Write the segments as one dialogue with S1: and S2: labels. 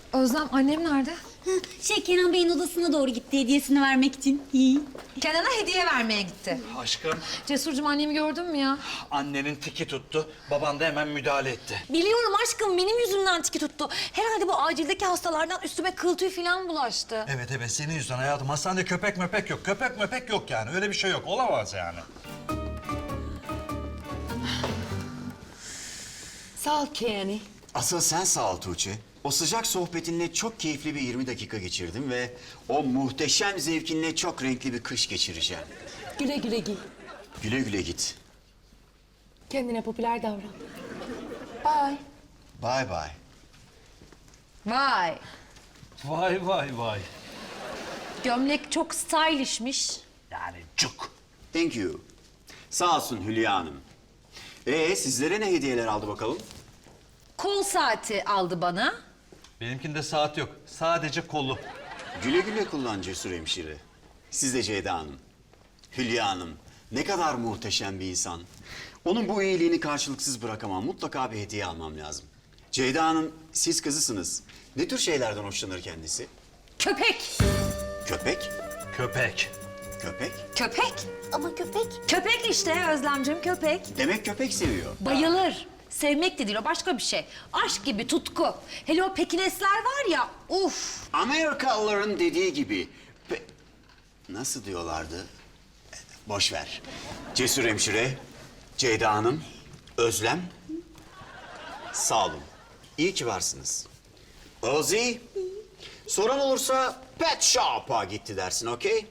S1: Özlem annem nerede?
S2: Kenan Bey'in odasına doğru gitti hediyesini vermek için.
S1: Kenan'a hediye vermeye gitti.
S3: Aşkım,
S1: Cesurcuğum annemi gördün mü ya?
S3: annenin tiki tuttu. Baban da hemen müdahale etti.
S1: Biliyorum aşkım benim yüzümden tiki tuttu. Herhalde bu acildeki hastalardan üstüme kıl tüy falan bulaştı.
S3: Evet, senin yüzünden hayatım. Hastanede köpek möpek yok. Köpek möpek yok yani. Öyle bir şey yok. Olamaz yani.
S1: Sağ ol Kenny.
S4: Asıl sen sağ ol Tuğçe. O sıcak sohbetinle çok keyifli bir 20 dakika geçirdim ve o muhteşem zevkinle çok renkli bir kış geçireceğim.
S5: Güle güle giy.
S4: Güle güle git.
S5: Kendine popüler davran. Bye.
S4: Bye bye.
S1: Vay.
S3: Vay.
S1: Gömlek çok stylishmiş.
S3: Yani cuk.
S4: Thank you. Sağ olsun Hülya Hanım. Sizlere ne hediyeler aldı bakalım?
S1: Kol saati aldı bana.
S3: Benimkinde saat yok. Sadece kolu.
S4: Güle güle kullan Cesur Hemşire. Siz de Ceyda Hanım. Hülya Hanım, ne kadar muhteşem bir insan. Onun bu iyiliğini karşılıksız bırakamam. Mutlaka bir hediye almam lazım. Ceyda Hanım, siz kızısınız. Ne tür şeylerden hoşlanır kendisi?
S1: Köpek.
S4: Köpek?
S3: Köpek.
S4: Köpek?
S1: Köpek.
S2: Ama köpek.
S1: Köpek işte Özlemciğim köpek.
S4: Demek köpek seviyor.
S1: Bayılır. Sevmek de değil o başka bir şey. Aşk gibi tutku. Hele o pekinesler var ya uf.
S4: Amerikalıların dediği gibi... Nasıl diyorlardı? Boş ver. Cesur Hemşire, Ceyda Hanım, Özlem... Sağ olun. İyi ki varsınız. Ozi, soran olursa pet shop'a gitti dersin, okey?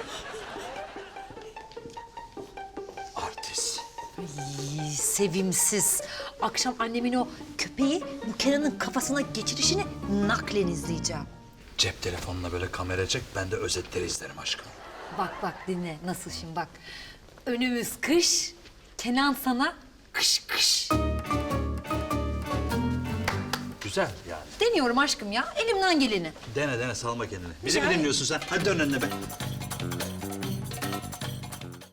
S4: Artist.
S1: Sevimsiz. Akşam annemin o köpeği bu Kenan'ın kafasına geçirişini naklen izleyeceğim.
S3: Cep telefonuna böyle kamera çek. Ben de özetleri izlerim aşkım.
S1: Bak dinle nasıl şimdi bak. Önümüz kış. Kenan sana kış kış.
S3: Güzel yani.
S1: Deniyorum aşkım ya elimden geleni.
S3: Dene salma kendini. Bizi mi dinliyorsun sen? Hadi dön önüne be.